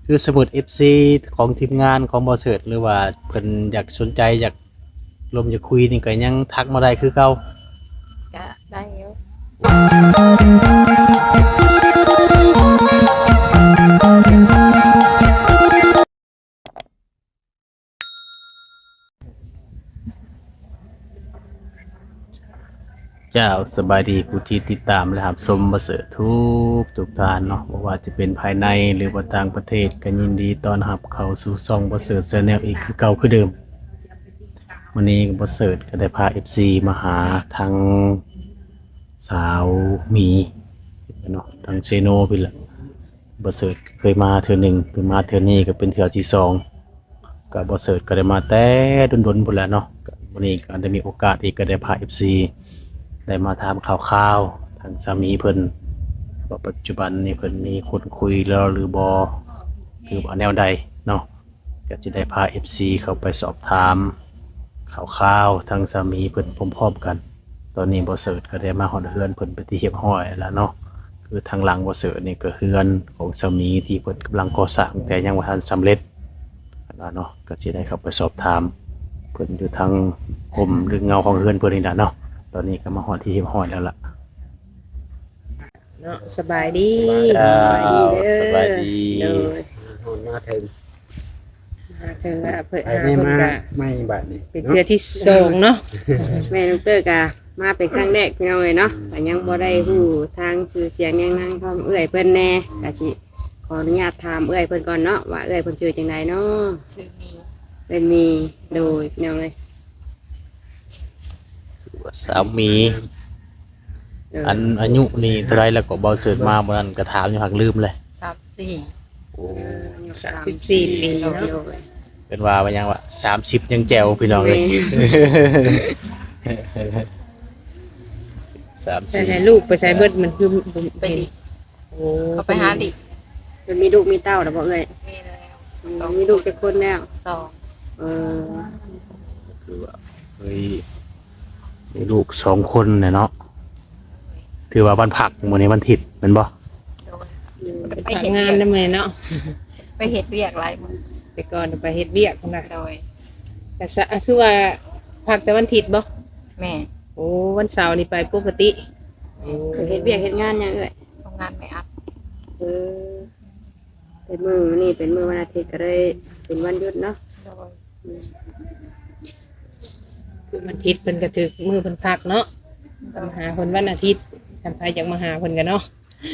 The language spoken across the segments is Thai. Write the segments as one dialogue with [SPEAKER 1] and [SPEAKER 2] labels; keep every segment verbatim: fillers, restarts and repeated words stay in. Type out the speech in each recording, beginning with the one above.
[SPEAKER 1] คือสมุด เอฟ ซี ของทีมงานของบ่เสิร์ชหรือว่าเพิ่นอยากสนใจอยากลมอยากคุยนี่ก็ยังทักมาได้คือเก่า
[SPEAKER 2] ก็ได้อยู่
[SPEAKER 1] เจ้าสบายดีผู้ที่ติดตามและรับชมบ่เสิร์ชทุกทุกท่านเนาะบ่ว่าจะเป็นภายในหรือว่าต่างประเทศก็ยินดีต้อนรับเข้าสู่ช่องบ่เสิร์ช Channel อีกคือเก่าคือเดิมวันนี้บ่เสิร์ชก็ได้พา เอฟ ซี มาหาทางสาวหมีเนาะทางเซโนพุ่นล่ะบ่เสิร์ชเคยมาเทื่อหนึงเพิ่นมาเทื่อนี้ก็เป็นเทื่อที่สองก็บ่เสิร์ชก็ได้มาแต่ดนๆพุ่นแหละเนาะก็วันนี้ก็ได้มีโอกาสอีกก็ได้พา เอฟ ซี ได้มาถามข่าวๆทางสามีเพิ่นว่าปัจจุบันนี้เพิ่นมีคนคุยแล้วหรือบ่หรือว่าแนวใดเนาะก็จะได้พา เอฟ ซี เข้าไปสอบถามข่าวๆทางสามีเพิ่นพร้อมๆกันตอนนี้บ่เสิร์ชก็ได้มาฮอดเฮือนเพิ่นไปนที่เรียบร้อยแล้วเนาะคือทางหลังบ่เสิร์ชนี่ก็เฮือนของสามีที่เพิ่นกำลังก่อสร้างแต่ยังบ่ทันสำเร็จแล้วเนาะก็สิได้เข้าไปสอบถามเพิ่นอยู่ทางห่มหรือเงาของเฮือนเพิ่นนี่ล่ะเนาะตอนนี้ก็มาฮอดที่เรียบร้อยแล้วล่ะ
[SPEAKER 3] เนาะสบายดี
[SPEAKER 1] สบายดี
[SPEAKER 3] เด้อ
[SPEAKER 1] สบายดี
[SPEAKER 3] โดย
[SPEAKER 4] โอนมาถึง
[SPEAKER 3] มาเธอว่าเพิ่น
[SPEAKER 4] ไป
[SPEAKER 3] หา
[SPEAKER 4] ไม่
[SPEAKER 3] เพิ่น
[SPEAKER 4] มา
[SPEAKER 3] ก็
[SPEAKER 4] ไม่บาดนี่
[SPEAKER 3] เป็นเทื่อที่สองเนาะ
[SPEAKER 5] แม่ลูกเตอร์กะมาเป็นครั้งแรกพี่น้องเลยเนาะแต่ยังบ่ได้ฮู้ทางชื่อเสียงยังนั่งความเอื้อยเพิ่นแน่กะสิขออนุญาตถามเอื้อยเพิ่นก่อนเนาะว่าเอื้อยเพิ่นชื่อจังไดเนาะ
[SPEAKER 2] ชื่อมี
[SPEAKER 5] เพิ่นมีโดยพี่น้องเอ้ย
[SPEAKER 1] สามี
[SPEAKER 5] เออ
[SPEAKER 1] อันอายุนี่เท่าไรแล้วก็บ่เสิร์ชมาบ่นั้นก็ถามอยู่หักลืมเลย
[SPEAKER 2] สามสี่
[SPEAKER 1] โอ้
[SPEAKER 5] เอออายุ
[SPEAKER 3] สามสิบสี่ปี
[SPEAKER 5] โด
[SPEAKER 3] เนาะ
[SPEAKER 5] ยโดย
[SPEAKER 1] เป็นว่าว่ายังว่าสามสิบยังแจ๋วพี่น้องเลยสาม
[SPEAKER 3] แต่
[SPEAKER 1] สิบ
[SPEAKER 3] ให้ลูกไปใช้เบิดมันคือผม
[SPEAKER 2] ไปดิ
[SPEAKER 3] โอ้
[SPEAKER 2] เขาไปหาดิ
[SPEAKER 5] เพิ่นมีลูกมีเต้าแล้วบ่เอ้ย
[SPEAKER 2] มีแล้ว
[SPEAKER 5] อืมมีลูกจักคนแล้ว
[SPEAKER 2] สอง
[SPEAKER 5] เออ
[SPEAKER 1] คือว่าเฮ้ยมีลูกสองคนเนี่ยเนาะถือว่าวันผักมื้อนี้วันถิดแม่นบ่
[SPEAKER 2] โดย
[SPEAKER 5] อืม
[SPEAKER 3] ไปทำงานนำแม่เนาะ
[SPEAKER 2] ไปเฮ็ดเวียกหลายมื้อ
[SPEAKER 3] ไปก่อนไปเฮ็ดเวียกพุ่นน่ะ
[SPEAKER 2] โดย
[SPEAKER 3] แต่ซะคือว่าพักแต่วันอาทิตย์บ่
[SPEAKER 2] แม่
[SPEAKER 3] โอ้วันเสาร์นี่ไปปกติโอ้
[SPEAKER 5] เพิ่นเฮ็ดเวียกเฮ็ดงานหยังเอ้ย
[SPEAKER 2] ทำงานไม่อัด
[SPEAKER 5] เออเป็นมื้อนี่เป็นมื้อวันอาทิตย์ก็เลยเป็นวันหยุดเนาะ
[SPEAKER 2] โดย
[SPEAKER 3] คือวันอาทิตย์เพิ่นก็ถึกมื้อเพิ่นพักเนาะมาหาเพิ่นวันอาทิตย์ท่านใครอยากมาหาเพิ่นกันเนาะ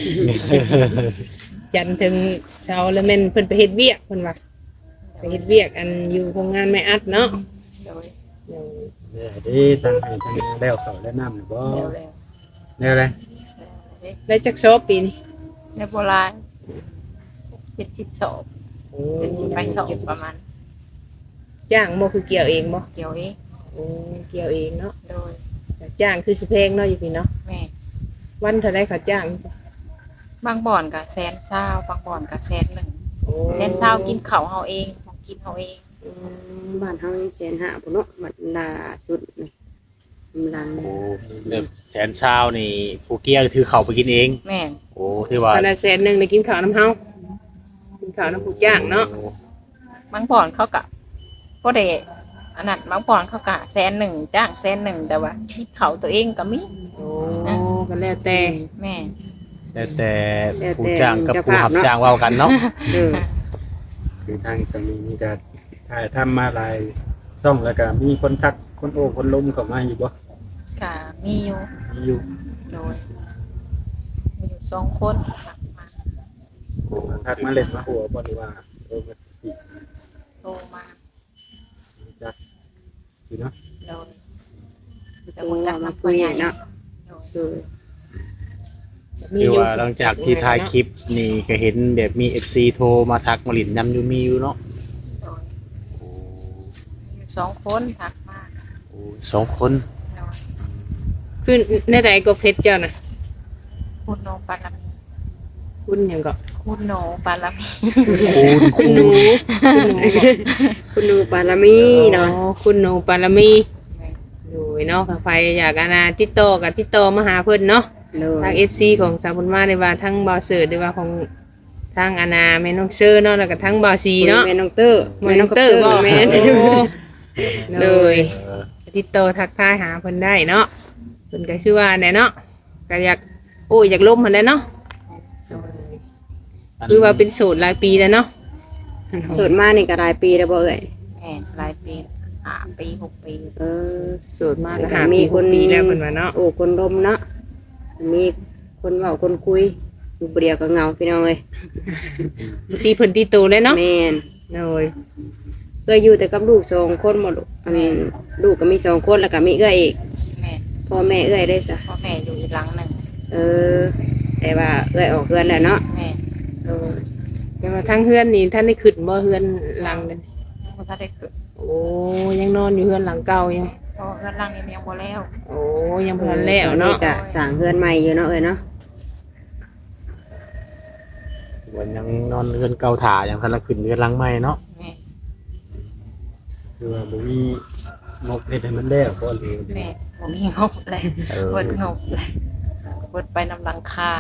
[SPEAKER 3] จันทร์ถึงเสาร์แล้วแม่นเพิ่นไปเฮ็ดเวียกเพิ่นว่าไปเฮ็ดเวียกอันอยู่โรงงานไม่อัดเนาะ
[SPEAKER 2] โดย
[SPEAKER 3] เดี๋ยว
[SPEAKER 4] เนี่ยดีทางให้ทางแล้วเขาแล้วน้ำหรือบ่
[SPEAKER 2] เร็วแล้ว
[SPEAKER 4] เนี่ยเลย
[SPEAKER 3] ได้จักซอบปีนี้
[SPEAKER 2] ในโบราณเจ็ดสิบสองเจ็ดสิบไปสองประมาณ
[SPEAKER 3] จ้างบ่คือเกี่ยวเองบ่
[SPEAKER 2] เกี่ยวเอง
[SPEAKER 3] โอ้เกี่ยวเองเนาะ
[SPEAKER 2] โดย
[SPEAKER 3] แต่จ้างคือสิแพงเนาะอยู่พี่เนาะ
[SPEAKER 2] แม่
[SPEAKER 3] วันเท่าใดเขาจ้าง
[SPEAKER 2] บางบ่อนกับแสนเศร้าบางบ่อนกับแสนหนึ่ง
[SPEAKER 3] โอ้
[SPEAKER 2] แสนเศร้ากินเขาวเฮาเองของกินเฮาเอง
[SPEAKER 5] อืมบ้านเฮานี่แสนห้าพุ่นเนาะบัดล่าสุดนี่กำลัง
[SPEAKER 1] โอ้เริ่มแสนเช้านี่ผู้เกี้ยถือเขาไปกินเอง
[SPEAKER 2] แม่
[SPEAKER 1] โอ้ที่ว่า
[SPEAKER 3] ขนาดแสนหนึงได้กินข้าวน้ำเฮากินข้าวน้ำผู้จ้างเนาะ
[SPEAKER 2] บางบ่อนเขากะก็ได้อันนั้นบางบ่อนเขากะแสนหนึ่งจ้างแสนหนึ่งแต่ว่าคิดเขาตัวเองก็มี
[SPEAKER 3] โอ้ก็แล้วแต่
[SPEAKER 2] แม่
[SPEAKER 1] แล้วแต่ผู้จ้างกับผู้รับจ้างเว้ากันเนาะ
[SPEAKER 5] เออ
[SPEAKER 4] คือทางสามีนี่ก็ถ่ายทำมาหลายช่องแล้วก็มีคนทักคนโอ้คนล้มเข้ามาอยู่บ่
[SPEAKER 2] กะมีอยู่
[SPEAKER 4] มีอยู่
[SPEAKER 2] โดยมีอยู่สองคนค่ะมา
[SPEAKER 4] ทักมาเล่นมาหัวบ่หรือว่าโอ้มาติ
[SPEAKER 2] โทรมา
[SPEAKER 4] จักสิเนาะ
[SPEAKER 2] โดย
[SPEAKER 5] แต่ว่าเรามาคุยเนาะ
[SPEAKER 2] โดย
[SPEAKER 5] เออ
[SPEAKER 1] คือว่าหลังจากที่ถ่ายคลิปนี่ก็เห็นแบบมี เอฟ ซี โทรมาทักมาหลินนำอยู่มีอยู่เนาะ
[SPEAKER 2] โดยมีอยู่สองคนทักมา
[SPEAKER 1] โอ้สองคน
[SPEAKER 2] โดย
[SPEAKER 3] คือในใดก็เฟซเจ้าน่ะ
[SPEAKER 2] คุณโนปารามี
[SPEAKER 3] คุณหยังก็
[SPEAKER 2] คุณโนปารามี
[SPEAKER 1] คูณ
[SPEAKER 3] คุณหนูคุณหนูบ่
[SPEAKER 5] คุณดูปารมีเนาะ
[SPEAKER 3] อ๋อคุณหนูปารมีอยู่เนาะถ้าใครอยากอานาติดต่อกับติดต่อมาหาเพิ่นเนาะ
[SPEAKER 5] โด
[SPEAKER 3] ทาง
[SPEAKER 5] ย
[SPEAKER 3] เอฟ ซี ของสาวบุญมาในว่าทั้งบอเสิร์ตหรือว่าของทางอาณาแม่น้องเชื่อเนาะแล้วก็ทั้งบาวซีเนาะ
[SPEAKER 5] แม่น้องเตอร์
[SPEAKER 3] แม่น้องเตอร์บ่
[SPEAKER 5] แม่น
[SPEAKER 3] โอ้เลย
[SPEAKER 1] เออ
[SPEAKER 3] ติดต่อทักทายหาเพิ่นได้เนาะเพิ่นก็คือว่าแน่เนาะก็อยากโอ้ยอยากล้มเพิ่นแหล้วเนาะคือว่าเป็นสูตรหลายปีแล้วเนาะ
[SPEAKER 5] โสดมานี่ก็หลายปีแล้วบ่เอ่ย
[SPEAKER 2] แม่นหลายปีห้าปีหกปี
[SPEAKER 5] เออ
[SPEAKER 3] สูตรมากก็หาปีหกปีแล้วเพิ่นว่าเนาะ
[SPEAKER 5] โอ้คนลมเนาะมีคนเว้าคนคุยอยู่ผู้เดียวก็เหงาพี่น้องเอ้ย
[SPEAKER 3] ตีเพิ่นตีตูเลยเนาะ
[SPEAKER 5] แม่น
[SPEAKER 3] โอ้ย
[SPEAKER 5] เอ้ยอยู่แต่กับลูกสองคนหมดลูกอันนี้ลูกก็มีสองคนแล้วก็มีเอ้ยอีก
[SPEAKER 2] แม่น
[SPEAKER 5] พ่อแม่เอ้ยได้ซะ
[SPEAKER 2] พ่อแม่อยู่อีกหลังหนึ่ง
[SPEAKER 5] เออ แต่ว่าเอ้ยออกเฮือนแล้วเนาะ
[SPEAKER 2] แม่น
[SPEAKER 5] เออ
[SPEAKER 3] แต่ว่าทั้งเฮือนนี่ท่านได้ขึ้นบ่เฮือนหลังนั่น
[SPEAKER 2] ยังบ่ทันได้ขึ้น
[SPEAKER 3] โอ้ยังนอนอยู่เฮือนหลังเก่าอยู่
[SPEAKER 2] เพราะเพื่อนหลังนี้มันยังบ่แล้ว
[SPEAKER 3] โอ้ยังบ่ทันแล้วเนาะ
[SPEAKER 5] ตอก็สร้างเฮือนใหม่อยู่เนาะเอ้ยเนาะ
[SPEAKER 1] วันยังนอนเรือนเก่าถ่ายังทันละขึ้นเรือนหลังใหม่เนาะ
[SPEAKER 2] แม่น
[SPEAKER 4] คือว่าบ่มีงบเฮ็ดให้มันแล้วบ่หรือ
[SPEAKER 2] แม่บ่มีงบเลย
[SPEAKER 1] เออ
[SPEAKER 2] เบิดงบเลยเบิดไปนำหลังคา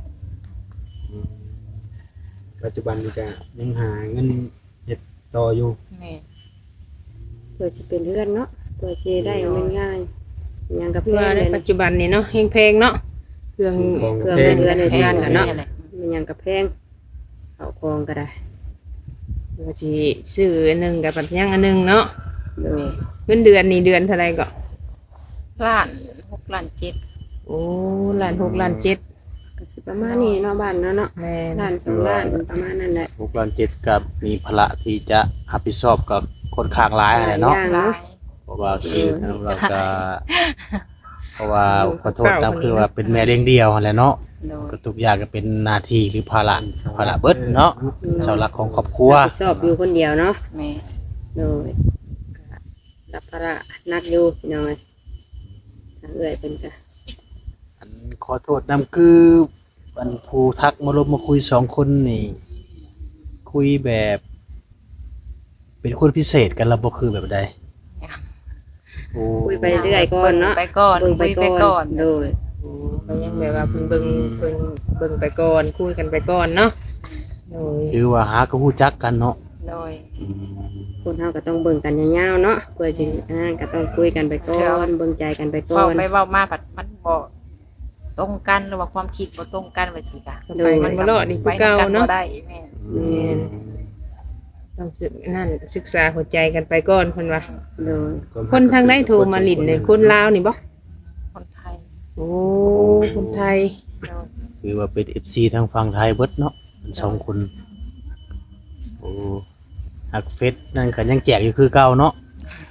[SPEAKER 4] ปัจจุบันนี่ก็ยังหาเงินเฮ็ดต่ออยู่
[SPEAKER 2] แม่น
[SPEAKER 5] เพื่อสิเป็นเฮือนเนาะเพื่อสิได้ง่ายๆหยังกับ
[SPEAKER 3] คือ
[SPEAKER 5] เพื่อ
[SPEAKER 3] ว่าน ใน
[SPEAKER 5] เลย
[SPEAKER 3] ปัจจุบันนี่เนาะแพงๆเนาะเครื่อง
[SPEAKER 4] สิ่งของ
[SPEAKER 5] เครื่อง
[SPEAKER 4] แพง
[SPEAKER 5] เรือนใน
[SPEAKER 2] แพ
[SPEAKER 5] บ้าง นกันเนาะ
[SPEAKER 2] แหละ
[SPEAKER 5] มันหยังกับแพงเอาคองก็ได้
[SPEAKER 3] ก็สิซื้ออันหนึงกับปัดยังอันหนึงเนาะ
[SPEAKER 5] โดย
[SPEAKER 3] เงินเดือนนี่เดือนเท่าไหร่ก็
[SPEAKER 2] ล้านหกล้านเจ็ด
[SPEAKER 3] โอ้ล้านหกล้านเจ็ด
[SPEAKER 5] ก็สิประมาณนี้เนาะบ้านเนาะเนาะ
[SPEAKER 3] แม่น
[SPEAKER 5] ล้านสองล้านประมาณนั้นแหละ
[SPEAKER 1] หกล้านเจ็ดกับมีภาระที่จะรับผิดชอบกับคนข้างร้ายอะไรเนาะ
[SPEAKER 5] หลายอย่าง
[SPEAKER 2] หลาย
[SPEAKER 1] เพราะว่าคือเราก็เพราะว่าขอโทษนะคือว่าเป็นแม่เลี้ยงเดียวนั่นแหละเนาะ
[SPEAKER 2] โดย
[SPEAKER 1] ก็ทุกอย่างก็เป็นหน้าที่หรือภาระภาระเบิดเนาะเสาหลักของครอบครัว
[SPEAKER 5] รับผิดชอบอยู่คนเดียวเนาะ
[SPEAKER 2] แม่
[SPEAKER 5] โดยก็รับภาระหนักอยู่พี่น้องเอ้ยทางเอื้อยเป็นก็
[SPEAKER 1] อันขอโทษนำคืออันผู้ทักมาลบมาคุยสองคนนี่ คุยแบบ เป็นคนพิเศษกันระบบคือแบบใดโอ้
[SPEAKER 5] คุยไปเรื่อยๆก่อนเนาะ
[SPEAKER 2] ไปก่อน
[SPEAKER 5] เบิ่งไป
[SPEAKER 2] คุย
[SPEAKER 5] ก่อน โดย
[SPEAKER 3] ก็ยังแบบว่าเพิ่งเบิ่งเพิ่งเบิ่งไปก่อนคุยกันไปก่อนเนาะโอ้ย
[SPEAKER 1] คือว่าหาก็ฮู้จักกันเนาะ
[SPEAKER 2] โดย
[SPEAKER 5] คนเฮาก็ต้องเบิ่งกันยาวๆเนาะเพื่อสิอ่าก็ต้องคุยกันไปก่อนเบิ่งใจกันไปก่อ
[SPEAKER 2] เว้าน ไปเว้ามาผัดมันบ่ตรงกันหรือว่าความคิดบ่ตรงกันว่าสิกะ
[SPEAKER 3] ไปมันบ่รอดนี่คือเก่าเนาะ
[SPEAKER 2] ไปำกับ่ได้แม่
[SPEAKER 3] แม่น ต้องศึกนั่นศึกษาหัวใจกันไปก่อนเพิ่นว่า
[SPEAKER 5] โดย
[SPEAKER 3] คนทางใดโทรมาลิ้นเนี่ยคนลาวนี่บ่
[SPEAKER 2] คนไทย
[SPEAKER 3] โอ้คนไทย
[SPEAKER 2] โดย
[SPEAKER 1] คือว่าเป็น เอฟ ซี ทางฝั่งไทยเบิดเนาะเป็นสองคนโอ้หักเฟซนั่นก็ยังแจกอยู่คือเก่าเนาะ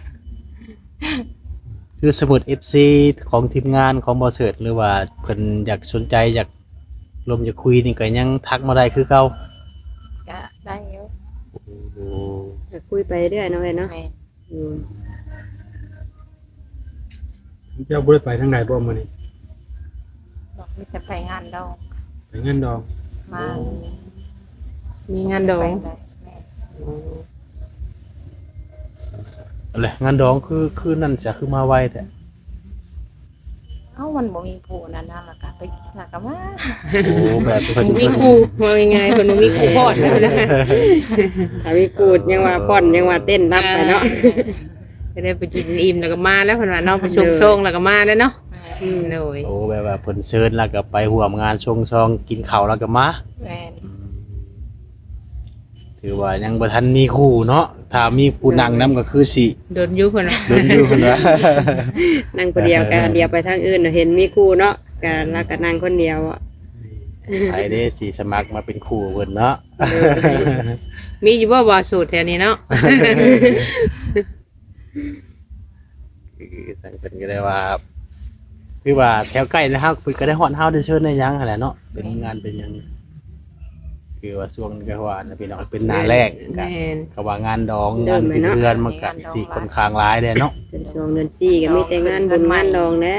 [SPEAKER 1] คือสมุด เอฟ ซี ของทีมงานของบอเสิร์ตหรือว่าเพิ่นอยากสนใจอยากลมอยากคุยนี่ก็ยังทักมาได้คือเก่า
[SPEAKER 2] ก็ได้อยู่
[SPEAKER 1] โอ้
[SPEAKER 5] ก็คุยไปเรื่อยเนาะเอ้ยเนาะ
[SPEAKER 2] แม่
[SPEAKER 5] อืม
[SPEAKER 4] เจ้าบ่ได้ไปทางไหนบ่มื้อนี้
[SPEAKER 2] บอกมีแต่ไปงานดอง
[SPEAKER 4] ไปเงินดอง
[SPEAKER 2] มา
[SPEAKER 3] มีงานดอง
[SPEAKER 2] ไปได้แม่
[SPEAKER 1] อะไรงานดองคือคือนั่นจะคือมาไวแต่
[SPEAKER 2] เอ้ามันบ่มีผู้นั้นน่ะล่ะก็ไปกินแล้วก็มา
[SPEAKER 1] โอ้แบบเพิ่น
[SPEAKER 3] มีครูว่ายังไงเพิ่นบ่มีครูพอดนะ
[SPEAKER 5] ถ้ามีกูดยังว่าป้อนยังว่าเต้นรับไปเนาะ
[SPEAKER 3] จะได้ไปกินอิ่มแล้วก็มาแล้วเพิ่นว่าเนาะไปส่งส่งแล้วก็มาแล้วเนาะ
[SPEAKER 2] แม่
[SPEAKER 3] อืมโดย
[SPEAKER 1] โอ้แบบว่าเพิ่นเชิญแล้วก็ไปร่วมงานชงซองกินข้าวแล้วก็มา
[SPEAKER 2] แม่
[SPEAKER 1] ถือว่ายังบ่ทันมีคู่เนาะถ้ามีผู้นั่งนํก็คือสิ
[SPEAKER 3] โดนยุเพิ่นว่า
[SPEAKER 1] โดนอยู่เพิ่นว่า
[SPEAKER 5] นั่งคนเดียวกันเดียวไปทางอื่นเนาะเห็นมีครูเนาะก็แล้วก็นั่งคนเดียวอ่ะ
[SPEAKER 1] ไปเด้สิสมัครมาเป็นครูเพิ่นเนาะ
[SPEAKER 3] มีอยู่บ่บ่สูตรแถวนี้เนาะ
[SPEAKER 1] คือทางเพิ่นก็ได้ว่าคือว่าแถวใกล้นะครับเพิ่นก็ได้ฮอดเฮาได้เชิญได้หยังหั่นแหละเนาะเป็นงานเป็นหยังคือว่าช่วงนี้ก็ว่าน่ะพี่น้องเป็นหน้าแรกก็
[SPEAKER 3] แม่น
[SPEAKER 1] ก็ว่างานดองงานเป็นเดือนมันก็สิค่อนข้างหลายเด้เนาะ
[SPEAKER 5] เป็นช่วงเดือนสี่ก็มีแต่งานบุญงานดองแหละ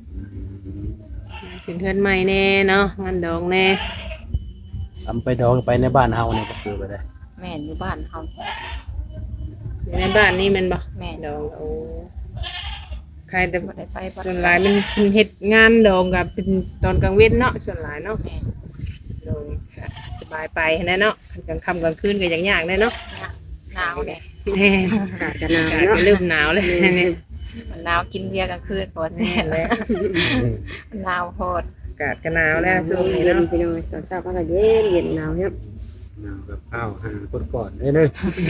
[SPEAKER 3] เป็นเพื่อนใหม่แน่เนาะงานดองแน่
[SPEAKER 1] ทำไปดองไปในบ้านเฮานี่ก็คือไปได้
[SPEAKER 2] แม่อยู่บ้านเฮา
[SPEAKER 3] อยู่ในบ้านนี่แมันบ่
[SPEAKER 2] แม่
[SPEAKER 3] ดองโอ้ใครแต่
[SPEAKER 2] บ่ได้ไปบ้าน
[SPEAKER 3] ส่วนหลายมันมันเฮ็ดงานดองกับเป็นตอนกลางเว้นเนาะส่วนหลายเนาะ
[SPEAKER 2] แม่
[SPEAKER 3] โดยค่ะ
[SPEAKER 2] แสด
[SPEAKER 3] บายไปแน่เนาะกลางค่ำกลางคืนก็ยังยากแน่เนาะ
[SPEAKER 2] หนาวเนี่ย
[SPEAKER 3] แม่
[SPEAKER 5] อากาศก็หนาว
[SPEAKER 3] อากาศ
[SPEAKER 5] เนาะ
[SPEAKER 3] ก็เริ่มหนาวแล้วเนี่ย
[SPEAKER 2] มันหนาวกินเบียร์กลางคืนปวดแส
[SPEAKER 3] แม่
[SPEAKER 2] บ
[SPEAKER 3] แล้ว
[SPEAKER 2] มันหนาวโหด
[SPEAKER 3] อากาศก็หนาวแล้วช่วงนี้
[SPEAKER 5] เย็น
[SPEAKER 3] เนาะ
[SPEAKER 5] พี่น้องตอนเช้าก็เย็นเย็นหนาวครับ
[SPEAKER 4] หนาวกับข้าวหาคนก่อนได้เด้อ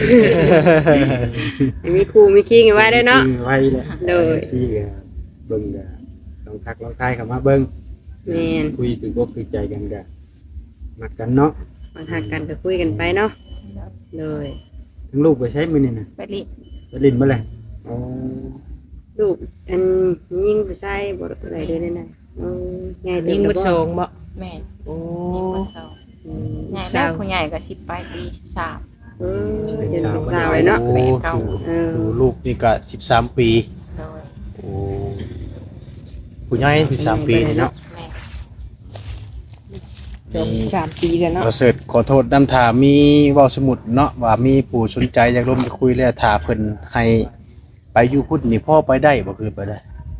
[SPEAKER 5] มีครูมีคิงไว้ได้เนาะ
[SPEAKER 4] ไว้แหละ
[SPEAKER 5] โดย
[SPEAKER 4] ซี่ก็เบิ่งก็ลองทักลองทายเข้ามาเบิ่ง
[SPEAKER 5] แม่น
[SPEAKER 4] คุยถึงอกถึงใจกันก็มักกันเนาะ
[SPEAKER 5] มาทักกันก็คุยกันไปเนาะเลย
[SPEAKER 4] ทั้งลูกไปใช้มื้อนี่น่ะ
[SPEAKER 2] ไปรีบ
[SPEAKER 4] ไปลิ้นบ่เลยอ๋อ
[SPEAKER 5] ลูกอันยิ่งผู้ชายบ่อะไรเด้อนั่นน่ะเออใหญ่เต็
[SPEAKER 3] ยิง
[SPEAKER 5] ม
[SPEAKER 3] บุ
[SPEAKER 5] แล้ว
[SPEAKER 3] โช
[SPEAKER 5] บ่
[SPEAKER 3] งบ่
[SPEAKER 2] แม่
[SPEAKER 3] โอ้
[SPEAKER 2] ยิงมาเศร้า
[SPEAKER 5] อืม
[SPEAKER 2] ใหญ่แล้วผู้ใหญ่ก็สิบปลายปีสิบสาม
[SPEAKER 5] เออจนเป็นสาวเลยเนาะ
[SPEAKER 1] โอ้
[SPEAKER 2] เก่า
[SPEAKER 5] เออ
[SPEAKER 1] ดูลูกนี่ก็สิบสามปี
[SPEAKER 2] โดย
[SPEAKER 1] โอ้ผู้ใหญ่สิบสามปีนี่เนาะ
[SPEAKER 2] แม่
[SPEAKER 3] สองสามปีแล้วเนาะ
[SPEAKER 1] เราเสิร์ชขอโทษนำถามมีเว้าสมุดเนาะว่ามีผู้สนใจอยากร่วมจะคุยแล้วถ้าเพิ่นให้ไปอยู่พุ่นนี่พ่อไปได้บ่คือไปได้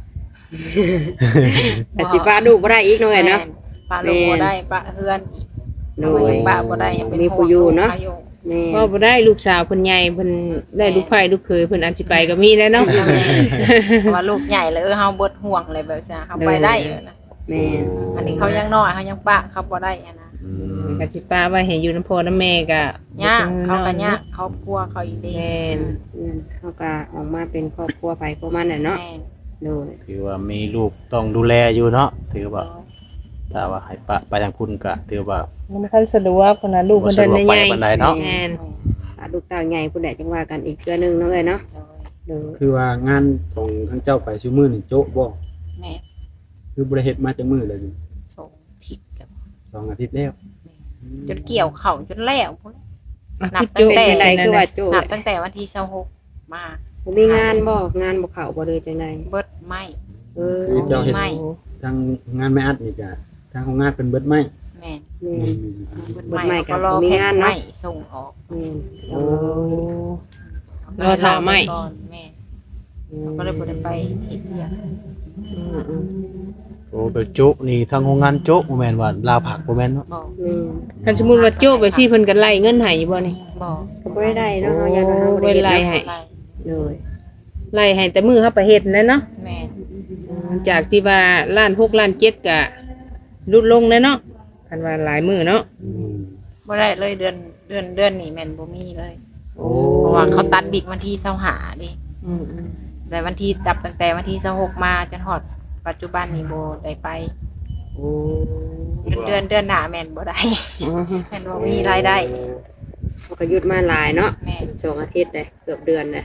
[SPEAKER 5] แต่สิป้าลูกบ่ได้อีกหน่อยเนาะ
[SPEAKER 2] ปลาลูกบ่ได้ปลาเฮือนอีก
[SPEAKER 5] โด
[SPEAKER 2] โด
[SPEAKER 5] ย
[SPEAKER 2] ยปลาบ่ได้ยังเป็น
[SPEAKER 5] มีผู้อยู่เนาะ
[SPEAKER 2] ห่วงลูก
[SPEAKER 5] แม่
[SPEAKER 3] ว่าบ่ได้ลูกสาวเพิ่นใหญ่เพิ่นได้ลูกไผ่ลูกเขยเพิ่นอาจสิไปก็มีแล้วเนาะ
[SPEAKER 2] เพราะว่าลูกใหญ่เลยเออเฮาเบิดห่วงเลยแบบนี้เขาไปได้อยู่นะ
[SPEAKER 5] แม่
[SPEAKER 2] อันนี้เขายังน้อยเขายังปะเขาบ่ได้อะนะ
[SPEAKER 3] ก็สิป้าไว้ให้อยู่น้ำพ่อน้ำแม่ก็
[SPEAKER 2] ยากเขาก็ยากเขากลัวเขาอีเด้
[SPEAKER 3] แม่น
[SPEAKER 5] อืมเขาก็ออกมาเป็นครอบครัวไปครัวมันน่ะเนาะ
[SPEAKER 2] แม่
[SPEAKER 5] โดย
[SPEAKER 1] ถือว่ามีลูกต้องดูแลอยู่เนาะถือว่าถ้าว่าให้ปะไปทางคุณก็ถือว่า
[SPEAKER 3] มันบ่ค่อยสะดวกคนน่ะลูก
[SPEAKER 1] บ่
[SPEAKER 3] เพิ่น
[SPEAKER 1] สะดวก
[SPEAKER 3] ได้
[SPEAKER 1] ไป
[SPEAKER 3] ใหญ่
[SPEAKER 1] ปานใดเนาะ
[SPEAKER 3] แม่น
[SPEAKER 5] ถ้าลูกเต้าใหญ่ผู้ใดจังว่ากันอีกเทื่อนึงเนาะเอ้ยเนาะ
[SPEAKER 2] โดย
[SPEAKER 5] โดย
[SPEAKER 4] คือว่างานของทั้งเจ้าไปซุมื้อนี่โจ๊ะบ่
[SPEAKER 2] แม่
[SPEAKER 4] คือบ่ได้เฮ็ดมาจักมื้อเลย
[SPEAKER 2] ส่งผิดกับ
[SPEAKER 4] สองอาทิตย์แล้ว
[SPEAKER 2] จนเกี่ยวเข่าจนแล้วพุ่น
[SPEAKER 3] อ่ะ
[SPEAKER 2] นับ
[SPEAKER 3] คือ
[SPEAKER 2] ตั้
[SPEAKER 3] โจ้
[SPEAKER 2] งแต่
[SPEAKER 5] เป็นจังไดคือว่าโจ้
[SPEAKER 2] นับตั้งแต่วันที่ยี่สิบหกมา
[SPEAKER 5] บ่มีงานบ่งานบ่เข้าบ่เลยจังได
[SPEAKER 2] เบิดไหม
[SPEAKER 5] เออ
[SPEAKER 4] คือเจ้าเฮ็ด
[SPEAKER 2] ไม่
[SPEAKER 4] ทางงานไม่อัดนี่ก็ทางของงานเป็นเบิดไม้
[SPEAKER 2] แม่
[SPEAKER 5] แม่
[SPEAKER 2] เบิด
[SPEAKER 5] เบิ
[SPEAKER 2] ไหม
[SPEAKER 5] ดไหม้
[SPEAKER 2] เขาก็รอ
[SPEAKER 5] กับมี
[SPEAKER 2] แพ็ค
[SPEAKER 5] งาน
[SPEAKER 2] ไหม
[SPEAKER 5] เนาะ
[SPEAKER 2] ส่งออก
[SPEAKER 5] แม่
[SPEAKER 3] โอ้
[SPEAKER 2] เข
[SPEAKER 3] รอถ่าไหม
[SPEAKER 2] ก่อนแม่เขาก็เลยบ่ได้ไปเฮ็ดเวียก
[SPEAKER 3] อืมอืม
[SPEAKER 1] โอ้ไปโจ๊ะนี่ทางโรงงานโจ๊ะบ่แม่นว่าลาวผักบ่แม่นเนาะ
[SPEAKER 2] บอก
[SPEAKER 5] แม่
[SPEAKER 3] คันสมมุติว่าโจ้ไปสิเพิ่นก็ไล่เงินให้อยู่บ่นี่
[SPEAKER 2] บอก
[SPEAKER 5] ก็บ่ได้ได้เนาะเฮาอยากว่าเฮาบ่ได้
[SPEAKER 3] เวลา
[SPEAKER 5] เฮ็ด
[SPEAKER 3] ให้
[SPEAKER 5] เนาะ
[SPEAKER 2] อะไร
[SPEAKER 5] โดย
[SPEAKER 3] ไล่ให้แต่มือเฮาไปเฮ็ดนั่นเนาะ
[SPEAKER 2] แม่
[SPEAKER 3] จากที่ว่าล้านหกล้านเจ็ดก็ลดลงแล้วเนาะคันว่าหลายมือเนาะ
[SPEAKER 4] อืม
[SPEAKER 2] บ่ได้เลยเดือนเดือนเดือนนี้แม่นบ่มีเลย
[SPEAKER 3] โอ้
[SPEAKER 2] เพราะว่าเขาตัดบิ๊กวันที่ยี่สิบห้าดิ
[SPEAKER 3] อืมอืม
[SPEAKER 2] แต่วันที่จับตั้งแต่วันที่ยี่สิบหกมาจนฮอดปัจจุบันนี้บ่ได้ไป
[SPEAKER 3] โอ้
[SPEAKER 2] เดือนเดือนเดือนหน้าแม่นบ่ได้
[SPEAKER 3] อ๋อ
[SPEAKER 2] แม่นบ่มีรายได้
[SPEAKER 5] เขาก็หยุดมาหลายเนาะ
[SPEAKER 2] แม่น
[SPEAKER 5] สองอาทิตย์เลยเกือบเดือนเลย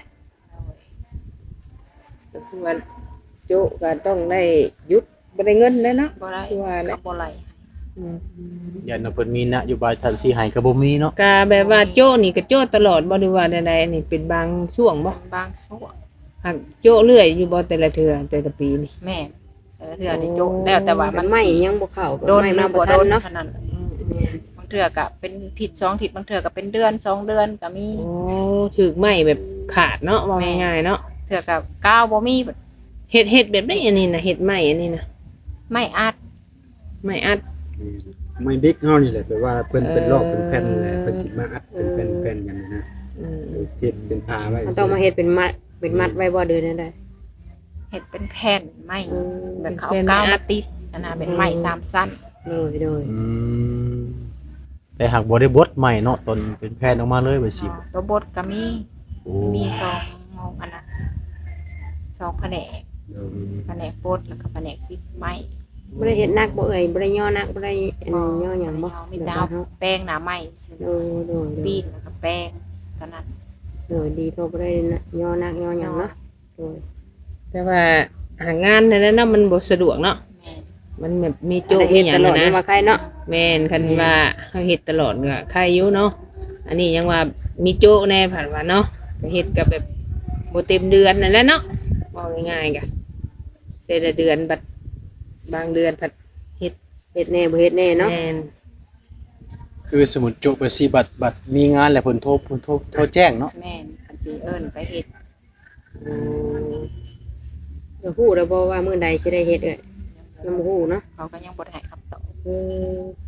[SPEAKER 3] ก็คือว่าโจ้ก็ต้องได้หยุดบ่ได้เงินแล้วเนาะ
[SPEAKER 2] บ่ได้
[SPEAKER 3] คือว่าแหละ
[SPEAKER 2] เขาบ่ไล่
[SPEAKER 3] อืม
[SPEAKER 1] ยันว่าเพิ่นมีนโยบายทันสิให้ก็บ่มีเนาะ
[SPEAKER 3] ก็แบบว่าโจ้นี่ก็โจ้ตลอดบ่ได้ว่าใดๆอันนี้เป็นบางช่วงบ่
[SPEAKER 2] บางส่วน
[SPEAKER 3] หากโจ้เรื่อยอยู่บ่แต่ละเทื่อแต่ละปีนี่
[SPEAKER 2] แม่นแต่ละเทื่อได้โจกแล้วแต่ว่า
[SPEAKER 5] มั
[SPEAKER 2] มัน น
[SPEAKER 5] ไม่
[SPEAKER 2] สิ
[SPEAKER 5] ยังบ่เข้า
[SPEAKER 2] โดน
[SPEAKER 5] ไม่
[SPEAKER 2] หรื
[SPEAKER 5] มา
[SPEAKER 2] อ
[SPEAKER 5] บ่
[SPEAKER 2] บ่
[SPEAKER 5] ทั
[SPEAKER 2] โด
[SPEAKER 5] น
[SPEAKER 2] น
[SPEAKER 5] เนาะ
[SPEAKER 2] เท่านั้นบางเทื่อก็เป็นผิดสองผิดบางเทื่อก็เป็นเดือนสองเดือนก็มี
[SPEAKER 3] โอ้ถึกไหม้แบบขาดเนาะว่าง่ายๆเนาะ
[SPEAKER 2] เทื่อก็ก้าวบ่มี
[SPEAKER 3] เฮ็ดเฮ็ดแบบได้อันนี้น่ะเฮ็ดไหม้อันนี้น่ะ
[SPEAKER 2] ไม่อัด
[SPEAKER 3] ไหม้อัด
[SPEAKER 4] ไม่บิ๊กเฮานี่แหละแปลว่าเพิ่นเป็นรอบเป็นแผ่นแหละ
[SPEAKER 3] เออ
[SPEAKER 4] เพิ่นสิมาอัดเป็นแผ่นแผ่นกันนะ
[SPEAKER 3] อืม
[SPEAKER 4] เฮ็ดเป็นผ้าไว้
[SPEAKER 5] มันต้องมาเฮ็ดเป็นมัดเป็นมัดไว้บ่เดือนนั่นได้
[SPEAKER 2] เฮ็ดเป็นแผ่นไม้
[SPEAKER 5] เออ
[SPEAKER 2] แบบเขาเอาก้าวมาติดอันน่ะเป็นไม้สามสั้น
[SPEAKER 5] โดยโดย
[SPEAKER 1] อืมแต่หากบ่ได้บดใหม่เนาะตนเป็นแพทย์ออกมาเลยว่าสิ
[SPEAKER 2] ตัวบดก็มี
[SPEAKER 1] โอ้
[SPEAKER 2] มีสองอันน่ะสองแผนก
[SPEAKER 4] เดี๋ยว
[SPEAKER 2] แผนกบดแล้วก็แผนกติดไม้
[SPEAKER 5] บ่ได้เฮ็ดหนักบ่เอ่ยบ่ได้ย่อหนักบ่ได้อันย่อหยังบ่
[SPEAKER 2] มีดาวแป้งหนาไม้ซื้อ
[SPEAKER 5] โดยโดยโด
[SPEAKER 2] ปี
[SPEAKER 5] ย
[SPEAKER 2] นแล้วก็แป้งเท่านั้น
[SPEAKER 5] โดยดีโทรบ่ได้ย่อหนักย่อหยังเนาะโดย
[SPEAKER 3] แต่ว่าหางานนั่นน่ะมันบ่สะดวกเนาะ
[SPEAKER 2] แม่น
[SPEAKER 3] มันแบบมี
[SPEAKER 5] โจ้
[SPEAKER 3] โจ้
[SPEAKER 5] เฮ็
[SPEAKER 3] อี
[SPEAKER 5] ด
[SPEAKER 3] หยั
[SPEAKER 5] ต
[SPEAKER 3] ง
[SPEAKER 5] ลอด
[SPEAKER 3] นะ
[SPEAKER 5] นี่ว่าใครเนาะ
[SPEAKER 3] แม่นคันว่าเฮาเฮ็ดตลอดก็ใครอยู่เนาะอันนี้ยังว่ามีโจ้แน่ผ่านว่าเนาะก็เฮ็ดกับแบบบ่เต็มเดือนนั่นแหละเนาะว่าง่ายๆก็แต่ละเดือนบัดบางเดือนผัด
[SPEAKER 5] เฮ็ดแน่บ่เฮ็ดแน่เนาะ
[SPEAKER 3] แม่น
[SPEAKER 1] คือสมุดโจ๊ะไปสิบัตรบัตรมีงานแล้วเพิ่นโทรเพิ่นโทรโทรแจ้งเนาะ
[SPEAKER 2] แม่นอันสิเอิ้นไปเฮ็ด
[SPEAKER 3] อืม
[SPEAKER 5] ก็ฮู้แล้วบ่ว่ามื้อใดสิได้เฮ็ดเอ้ยยังบ่ฮู้เนาะ
[SPEAKER 2] เขาก็ยังบ่ได้ให้คำตอบ
[SPEAKER 5] เออ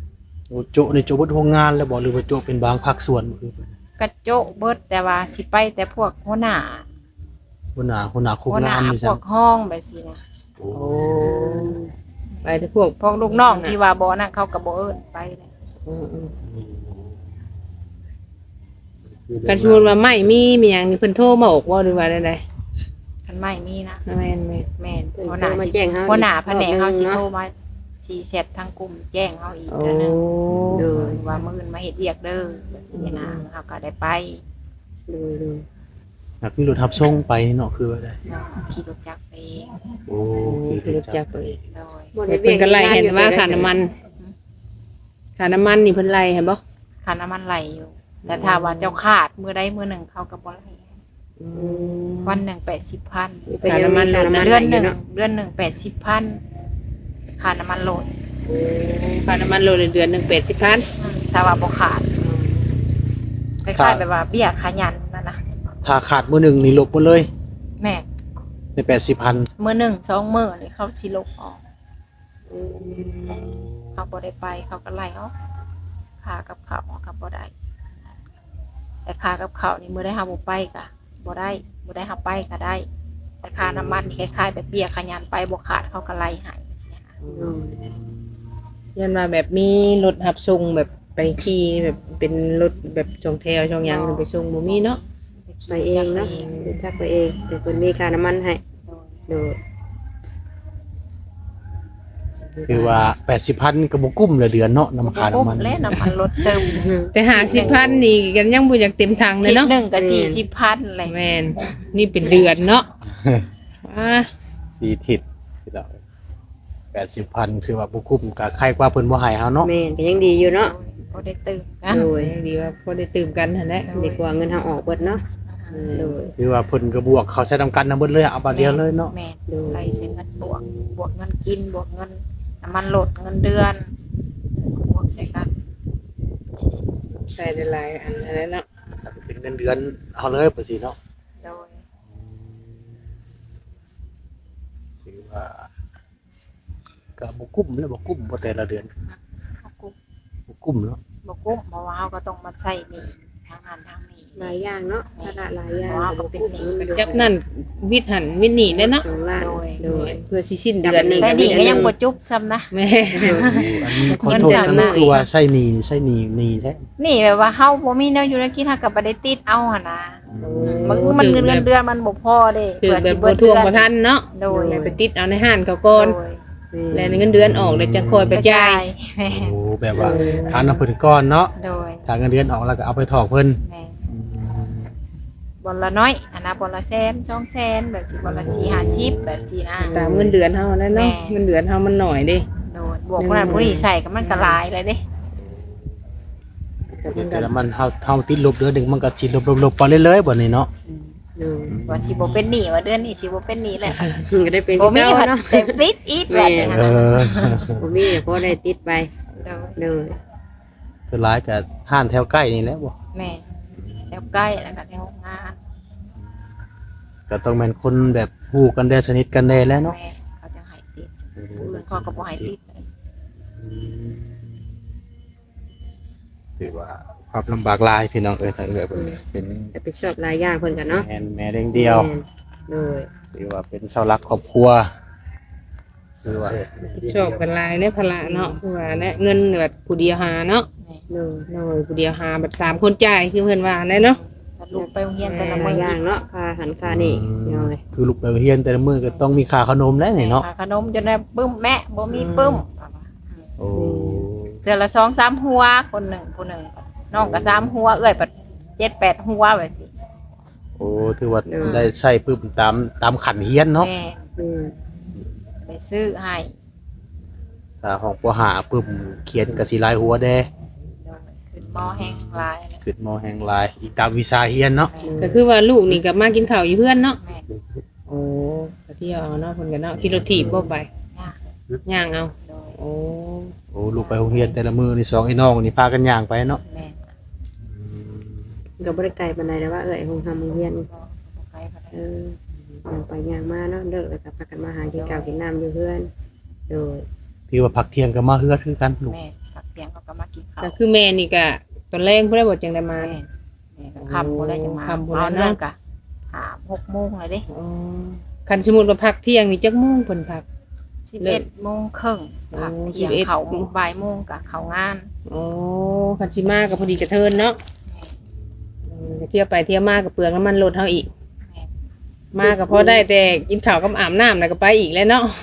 [SPEAKER 1] โอ้โจะในโจะเบิดโรงงานแล้วบ่หรือว่าโจะเป็นบางภาคส่วนคือก
[SPEAKER 2] ระโจะเบิดแต่ว่าสิไปแต่พวกหัวหน้า
[SPEAKER 1] หัวหน้าหัวหน้าคุม
[SPEAKER 2] หัวหน้าง
[SPEAKER 1] านนี่
[SPEAKER 2] พ
[SPEAKER 1] ซั่
[SPEAKER 2] วน กห้องแบบสินะ
[SPEAKER 1] โอ้
[SPEAKER 3] โอ้ไปแต่พวก
[SPEAKER 2] พวกลูกน้องที่ว่าบ่นั่นเขาก็บ่เอิ้นไปเลย
[SPEAKER 3] อืมๆกันสมมุติว่าไม่มีมีหยังนี่เพิ่นโทรมาบอกว่าหรือว่าใด
[SPEAKER 2] คันไม่มีนะ
[SPEAKER 3] ๆแม่นแม่น
[SPEAKER 2] แม่น
[SPEAKER 5] เพิ่น
[SPEAKER 2] หัวห
[SPEAKER 5] โทร
[SPEAKER 2] น้า
[SPEAKER 5] มา
[SPEAKER 2] สิ
[SPEAKER 5] แจ้งเฮา
[SPEAKER 2] หัวหน้าแผนกเฮาสิ
[SPEAKER 5] อีกรอบหนึ่ง
[SPEAKER 2] โทร
[SPEAKER 5] เนาะ
[SPEAKER 2] มาสิแชททางกลุ่มแจ้งเฮาอีก
[SPEAKER 3] โอ้
[SPEAKER 2] เทื่อนึง
[SPEAKER 5] โดย
[SPEAKER 2] ว่ามื้ออื่นมาเฮ็ดเวียกเด้อแบบสินะเฮาก็ได้ไป
[SPEAKER 5] โดยโดย
[SPEAKER 1] นักมีรถทับส่งไปเนาะคือว่าได้
[SPEAKER 2] เนาะขี่รถจักรไปเอง
[SPEAKER 1] โอ้
[SPEAKER 3] คือรู้จักเลย
[SPEAKER 2] โดย
[SPEAKER 5] บ่ได้
[SPEAKER 3] เพิ่นก็ไล่เห็นว่า
[SPEAKER 5] ฮ็ด
[SPEAKER 3] ค่าน้ำมันค่าน้ำมันนี่เพิ่นไล่เห็นบ่
[SPEAKER 2] ค่าน้ำมันไหลอยู่ แต่ถ้าว่าเจ้าขาดมื้อใดมื้อหนึ่งเขาก็บ่ไหล
[SPEAKER 3] อืม
[SPEAKER 2] วันหนึ่งแปดสิบพัน
[SPEAKER 5] เพิ่นยังมีค่าน้ำมัน
[SPEAKER 2] เดือนหนึ่ง
[SPEAKER 5] ให้ยู่าะ
[SPEAKER 2] เดือนหนึ่งแปดสิบพันค่าน้ำมันโหลด
[SPEAKER 3] ค่าน้ำมันโลละเดือนหนึงแปดสิบพัน
[SPEAKER 2] ถ้าว่าบ่ขาดคล้ายๆแบบว่าเบี้ยขายันนั่นนะ
[SPEAKER 1] ถ้าขาดมื้อหนึงนี่ลบหมดเลย
[SPEAKER 2] แม่
[SPEAKER 1] ในแปดสิบพัน
[SPEAKER 2] มื้อหนึ่งสองมื้อนี่เขาสิลบออกเขาบ่ได้ไปเขาก็ไล่ออกค่ากับข้าวเขาก็บ่ได้แต่ค่ากับข้าวนี่มื้อได้เฮาบ่ไปก็บ่ได้มื้อได้เฮาไปก็ได้ แต่ค่าน้ำมันนี่คล้ายๆแบบเบี้ยขายันไปบ่ขาดเขาก็ไล่ให้เสียนะ
[SPEAKER 5] โดย
[SPEAKER 3] ยันว่าแบบมีรถรับส่งแบบไปขี่แบบเป็นรถแบบส่งแถวส่งหยังไปส่งบ่มีเนาะ
[SPEAKER 5] ไปเองเนาะรู้จักไปเองแต่เพิ่นมีค่าน้ำมันให้โดย
[SPEAKER 1] คือว่าแปดสิบพันก็บ่กุ้มละเดือนเนาะน้ำขา
[SPEAKER 2] ปุ๊บ
[SPEAKER 1] น้ำมัน
[SPEAKER 2] และน้ำมันลดเติม
[SPEAKER 3] แต่ห้าสิบพันนี่กันยังบ่อยากเต็มถังเลยเนาะ
[SPEAKER 2] หนึ่งกับสี่สิบพันอะไร
[SPEAKER 3] แม่นนี่เป็นเดือนเนาะอ่า
[SPEAKER 1] สี่ทิศที่เราแปดสิบพันคือว่าบ่กุ้มก็ใครกว่าเพิ่นบ่ให้เฮาเนาะ
[SPEAKER 5] แม่นก็ยังดีอยู่เนาะ
[SPEAKER 2] ก็ได้ตื่นกัน
[SPEAKER 5] โดย
[SPEAKER 3] ดีว่าพอได้ตื่มกันหั่นแหละ
[SPEAKER 5] ดีกว่าเงินเฮาออกเบิดเนาะโดย
[SPEAKER 1] คือว่าเพิ่นก็บวกเขาใช้นํกันนำเบิดเลยเอาบาทเดียวเลยเนาะ
[SPEAKER 2] แม่ไรเสียเงินบวก บวกเงินกินบวกเงินน้ำมันลดเงินเดือน บวกใส่กัน
[SPEAKER 3] ใส่ได้หลายอันนั่นแหละเนาะ
[SPEAKER 1] เป็นเงินเดือนเอาเลยประสิเนาะ
[SPEAKER 2] โดย
[SPEAKER 1] คือว่าก็บ่กุ้มแล้วบ่กุ้มบ่แต่ละเดือน
[SPEAKER 2] เขากุ้ม
[SPEAKER 1] บ่กุ้มเนาะ
[SPEAKER 2] บวกกุ้มเพราะว่าเขาก็ต้องมาใส่หนี่ทางงานทางนี้
[SPEAKER 5] หลายอย่างเนาะภาระหลายอย่าง
[SPEAKER 2] ว้าวเป็นหนี้
[SPEAKER 3] จับนั่นวิทย์หันวิทย์นี่ได้เนาะ
[SPEAKER 5] สองล้านโดย
[SPEAKER 3] เพื่อสิสิ้นเดือนนี่
[SPEAKER 2] ใส่หนี่ก็ยังบวจุบซ้ำนะ
[SPEAKER 3] แม่
[SPEAKER 1] อันนี้ขอโทษนะคือว่าใช้หนี้ใช้หนี้หนี้แท้
[SPEAKER 2] นี่แบบว่าเฮาบ่มีแนวอยู่ในกินเฮาก็บ่ได้ติดเอาหั่นนะมันมันเงินเดือนเดือนมันบ่พอเด้
[SPEAKER 3] คือแบบ
[SPEAKER 2] สิ
[SPEAKER 3] บ่ทวงบ่ทันเนาะ
[SPEAKER 2] โดย
[SPEAKER 3] แล้วไปติดเอาในห้านเขาก่อน
[SPEAKER 2] โดย
[SPEAKER 3] แล้วเงินเดือนออกแล้วจะคอยไปจ่าย
[SPEAKER 2] แม่
[SPEAKER 1] โอ้แบบว่าทานเอาเพิ่นก่อนเนาะ
[SPEAKER 2] โดย
[SPEAKER 1] ถ้าเงินเดือนออกแล้วก็เอาไปถอกเพิ่น
[SPEAKER 2] แม่บอลละน้อยอันนะบอลละแสนสองแสนแบบสิบอลละสี่ห้าสิบแบบสินะ
[SPEAKER 3] ตามเงินเดือนเฮาแล้วเนาะ
[SPEAKER 2] แม่
[SPEAKER 3] เงินเดือนเฮามันหน่อยเด้
[SPEAKER 2] โดยบวกคนนั้นผู้นี้ใส่ก็มันก็หลายเลยเด้
[SPEAKER 1] แต่ละมันเฮาเฮาติดลบเดือนหนึงมันก็สิลบๆๆไปเรื่อยๆบ่นี่เนาะ
[SPEAKER 5] โดย
[SPEAKER 2] ว่าสิบ่เป็นหนี้ว่าเดือนนี้สิบ่เป็นหนี้แหละ
[SPEAKER 5] ก็ได้เป็น
[SPEAKER 2] บ่มี
[SPEAKER 5] เจ้า
[SPEAKER 2] ผัด
[SPEAKER 5] เนาะ
[SPEAKER 2] เต็มปิดอีกแบบนี้
[SPEAKER 1] เอ
[SPEAKER 2] นะ
[SPEAKER 1] อ
[SPEAKER 5] บ่มีก็ได้ติดไป
[SPEAKER 2] โดย
[SPEAKER 5] โดย
[SPEAKER 1] สุดท้ายก็ห้านแถวใกล้นี่แหละบ่
[SPEAKER 2] แม่แถวใกล้แล้วก็แถวงาน
[SPEAKER 1] ก็ต้องแม่นคนแบบฮู้กันได้สนิทกันได้แล้วเนาะ
[SPEAKER 2] แม่เขาจะให้ติดผู้อื่นเขาก็บ่ให้ติด
[SPEAKER 1] ถือว่าความลำบากหลายพี่น้องเอ้ยถ้าเอ้ยเพิ่นเป็น
[SPEAKER 5] จะไปชอบหลายอย่างเพิ่นกันเนาะ
[SPEAKER 1] แม่นแม่เลี้ยงเดียว
[SPEAKER 5] แม่นโดย
[SPEAKER 1] ถือว่าเป็นเสาหลักครอบครัวถือว่า
[SPEAKER 3] ชอบกันหลายเนี่ยภาระเนาะคือว่าเนี่ยเงินแบบผู้เดียวหาเนาะ
[SPEAKER 2] แม่
[SPEAKER 5] โดย
[SPEAKER 3] โน้ยผู้เดียวหาแบบสามคนจ่ายคือเพิ่นว่าแน่เนาะ
[SPEAKER 2] ถ้าลูกไปโรงเรียนแต่ละ
[SPEAKER 5] ห
[SPEAKER 2] มื้
[SPEAKER 5] ลาย
[SPEAKER 2] อ
[SPEAKER 5] อย่างเนาะค่าหันค่านี่โดย
[SPEAKER 1] คือลูกไปเรียนแต่ละมื้อก็ต้องมีค่าขนมแล้วนี่เนาะ
[SPEAKER 2] หขนมจนได้ปึ้มแม่บ่มีปึ้ม
[SPEAKER 1] โอ้
[SPEAKER 2] เดือนละสองสามหัวคนหนึ่งคนหนึ่งน้องก็สามหัวเอ้อยปัดเจ็ดแปดหัวแบบสิ
[SPEAKER 1] โอ้ถือว่าได้ใช้ปึ๊บตามตามขันเฮียนเนาะ
[SPEAKER 2] แม่
[SPEAKER 5] อืม
[SPEAKER 2] ไปซื้อให้
[SPEAKER 1] ถ้าห้องปหาปึ๊บเขียนก็สิหลายหัวแด
[SPEAKER 2] โดยขึ้นหม้อแห้งลายเลย
[SPEAKER 1] ขึ้นมอแห่งหลายอีกตามวิชาเฮียนเนาะ
[SPEAKER 2] แม่
[SPEAKER 3] ก็คือว่าลูกนี่ก็มากินข้าวอยู่เพื่อนเนาะ
[SPEAKER 2] แม่
[SPEAKER 3] โอ้ไปเที่ยวเอาเนาะเพิ่นก็เนาะขี่รถถีบบ่ไป
[SPEAKER 2] ย่า
[SPEAKER 3] ย่างเอา
[SPEAKER 2] โดย
[SPEAKER 3] โอ้
[SPEAKER 1] โอ้ลูกไปโรงเรียนแต่ละมื้อนี่สองไอ้น้องนี่พากันย่างไปเนาะ
[SPEAKER 2] แม่
[SPEAKER 5] ก็บ่ได้ไกลปานใดแต่ว่าเอ้ยคงทำโรงเรียน
[SPEAKER 2] ก็ไปพอ
[SPEAKER 5] เอ
[SPEAKER 2] ได้
[SPEAKER 5] อย่างไปย่างมาเนาะเลิกแล้วก็พากันมาหากินข้าวกินน้ำอยู่เพื่อนโดย
[SPEAKER 1] ที่ว่าพักเที่ยงก็มาเฮือดคือกันลูก
[SPEAKER 2] แม่พักเที่ยงเขาก็มากินข้าว
[SPEAKER 3] ก็คือแม่นี่ก็ตอนแรกเพิ่นได้บ่จังได้มา
[SPEAKER 2] แม่แม่ก็คำบ่ได้จะมา
[SPEAKER 3] คำบ่ได้
[SPEAKER 2] เอา
[SPEAKER 3] เนาะ
[SPEAKER 2] เรื่องกะหาหกโมงเลยเด้
[SPEAKER 3] อ๋อคันสมมุติว่าพักเที่ยงนี่จักโมงเพิ่นพัก
[SPEAKER 2] สิบเอ็ดโมงครึ่งพัก
[SPEAKER 3] โอ้
[SPEAKER 2] เที่ยง
[SPEAKER 3] สิบเอ็ด
[SPEAKER 2] เขาบ่ายโมงกะเขางาน
[SPEAKER 3] อ๋อคันสิมาก็พอดีกระเทินเนาะอืมเที่ยวไปเที่ยวมาก็เปลืองน้ำมันรถเฮาอีก
[SPEAKER 2] แม่
[SPEAKER 3] มาก็พอได้แต่กินข้าวกับอาบน้ำแล้วก็ไปอีกแล้วเนาะ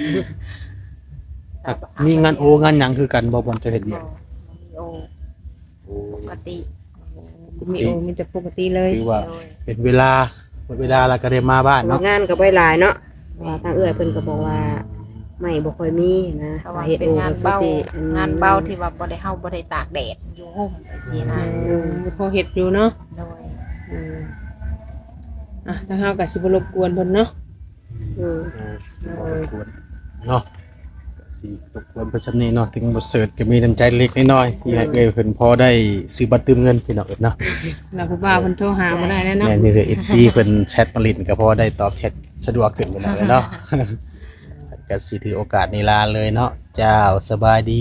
[SPEAKER 4] มีงานโองานหยังคือกันบ่บ่จะเฮ็ด
[SPEAKER 2] มี
[SPEAKER 4] เวียก
[SPEAKER 2] โอปกติ
[SPEAKER 3] มีโอมีแต่ปกติเลย
[SPEAKER 4] คือว่า
[SPEAKER 2] โดย
[SPEAKER 4] เป็นเวลาหมดเวลาแล้วก็ได้มาบ้านเนาะ
[SPEAKER 5] งานก็บ่หลายเนาะว่าทางเอื้อยเพิ่นก็บอกว่าไม่บ่ค่อยมีนะ
[SPEAKER 2] แต่ว่า
[SPEAKER 5] เฮ็ด
[SPEAKER 2] เป็น
[SPEAKER 5] โอง
[SPEAKER 2] าน
[SPEAKER 5] ก็
[SPEAKER 2] เบา
[SPEAKER 5] คือสิ
[SPEAKER 2] งานเบาที่ว่าบ่ได้เฮาบ่ได้ตากแดดอยู่ห่มไปสินะ
[SPEAKER 3] อืมพอเฮ็ดอยู่เนาะ
[SPEAKER 2] โดย
[SPEAKER 3] อืมอ่ะทางเฮาก็สิบ่รบกวนเพิ่นเนาะ
[SPEAKER 5] อืม
[SPEAKER 4] เออสิบ่รบกวนเนาะก็สิรบกวนเพิ่นซำนี้เนาะถึงบ่เสิร์ชก็มีน้ำใจเล็กน้อยๆที่ให้เอ้ยเพิ่นพอได้ซื้อบัตรเติมเงินพี่น้องเนาะ
[SPEAKER 3] แล้วผู้บ่าวเพิ่นโทรหาบ่ได้แล้วเนาะ
[SPEAKER 1] แม่นี่คือ เอฟ ซี เพิ่นแชทมาลินก็พอได้ตอบแชทสะดวกขึ้นไปหน่อยเนาะ ก็สิถือโอกาสนี้ลาเลยเนาะเจ้าสบายดี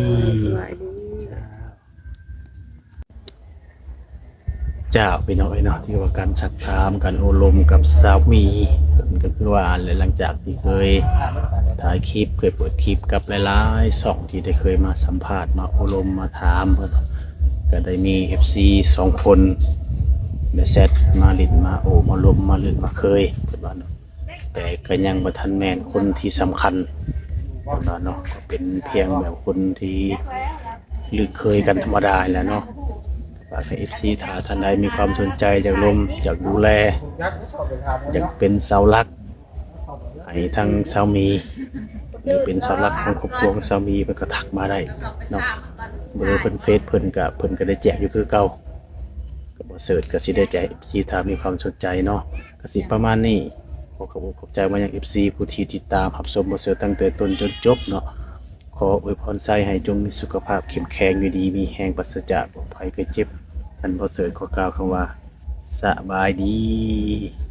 [SPEAKER 1] เจ้าพี่น้องเอ้ยเนาะที่ว่าการชักถามการโอลมกับสามีก็คือว่าหลังจากที่เคยถ่ายคลิปเคยเปิดคลิปกับหลายๆช่องที่ได้เคยมาสัมภาษณ์มาโอลมมาถามเพิ่นก็ได้มี เอฟ ซี สองคนได้แซดมาลินมาโอมาลมมาลื่นมาเคยเพิ่นว่าเนาะแต่ก็ยังบ่ทันแม่นคนที่สำคัญเพิ่นว่าเนาะก็เป็นเพียงแบบคนที่ลือเคยกันธรรมดาแหละเนาะฝากให้ เอฟ ซี ถ้าท่านใดมีความสนใจอยากลมอยากดูแลอยากเป็นเสาหลักให้ทางสามีหรือเป็นเสาหลักของครอบครัวของสามีเพิ่นก็ทักมาได้เนาะเบอร์เพิ่นเฟซเพิ่นก็เพิ่นก็ได้แจกอยู่คือเก่าก็บ่เสิร์ชก็สิได้แจกที่ถ้ามีความสนใจเนาะก็สิประมาณนี้ขอขอบคุณขอบใจมายัง เอฟ ซี ผู้ที่ติดตามรับชมบ่เสิร์ชตั้งแต่ต้นจนจบเนาะขออวยพรใส่ให้จงมีสุขภาพเข้มแข็งอยู่ดีมีแรงปราศจากโรคภัยไข้เจ็บท่านบ่เสิร์ชขอกล่าวคำว่าสบายดี